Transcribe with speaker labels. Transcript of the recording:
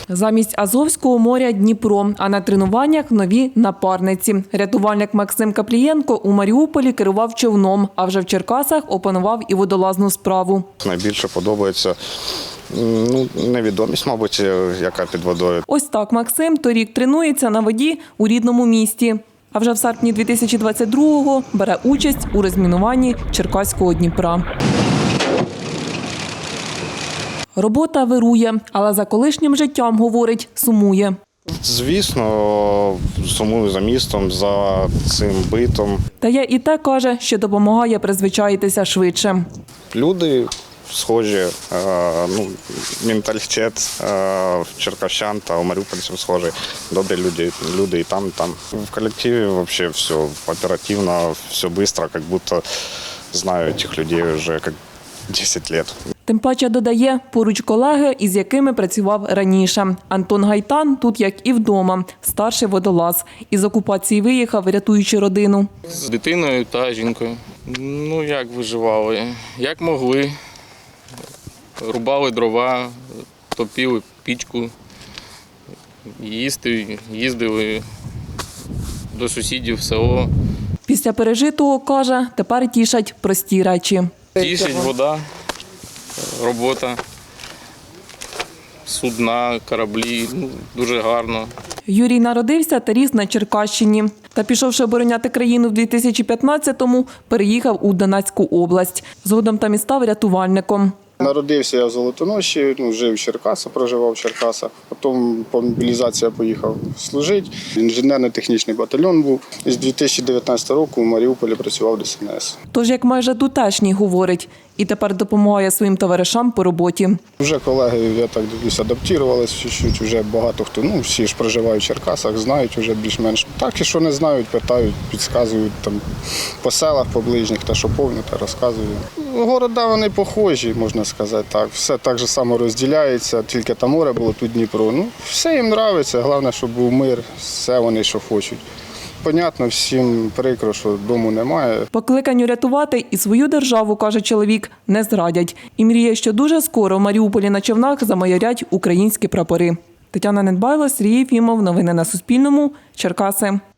Speaker 1: Замість Азовського моря – Дніпро, а на тренуваннях – нові напарниці. Рятувальник Максим Каплієнко у Маріуполі керував човном, а вже в Черкасах опанував і водолазну справу.
Speaker 2: Найбільше подобається невідомість, мабуть, яка під водою.
Speaker 1: Ось так Максим торік тренується на воді у рідному місті. А вже в серпні 2022-го бере участь у розмінуванні Черкаського Дніпра. Робота вирує, але за колишнім життям, говорить, сумує.
Speaker 2: Звісно, сумую за містом, за цим битом.
Speaker 1: Та є і те, каже, що допомагає призвичаїтися швидше.
Speaker 2: Люди схожі, менталітет черкащан та маріупольців схожий. Добрі люди і там, і там. В колективі взагалі все оперативно, все швидко, як будто знаю цих людей вже як 10 років.
Speaker 1: Тим паче, додає, поруч колеги, із якими працював раніше. Антон Гайтан тут, як і вдома, старший водолаз. Із окупації виїхав, рятуючи родину.
Speaker 3: З дитиною та жінкою. Як виживали? Як могли. Рубали дрова, топили пічку, їздили до сусідів в село.
Speaker 1: Після пережитого, каже, тепер тішать прості речі.
Speaker 3: Тішить вода, робота, судна, кораблі. Дуже гарно.
Speaker 1: Юрій народився та ріс на Черкащині. Та пішовши обороняти країну в 2015-му, переїхав у Донецьку область. Згодом там і став рятувальником.
Speaker 4: Народився я в Золотоноші, жив в Черкасах, проживав в Черкасах. Потім по мобілізації поїхав служити. Інженерно-технічний батальйон був. З 2019 року в Маріуполі працював ДСНС.
Speaker 1: Тож, як майже тутешній, говорить, і тепер допомагає своїм товаришам по роботі.
Speaker 4: Вже колеги, я так дивлюсь, адаптувалися чуть-чуть. Вже багато хто, всі ж проживають в Черкасах, знають вже більш-менш. Так і що не знають, питають, підказують там по селах, по ближніх, те, що повні, те розказують. Города вони похожі, можна сказати так. Все так же само розділяється, тільки там море було, тут Дніпро. Все їм подобається, головне, щоб був мир, все вони, що хочуть. Понятно, всім прикро, що дому немає.
Speaker 1: Покликанню рятувати і свою державу, каже чоловік, не зрадять. І мріє, що дуже скоро в Маріуполі на човнах замайорять українські прапори. Тетяна Недбайло, Сергій Єфімов. Новини на Суспільному. Черкаси.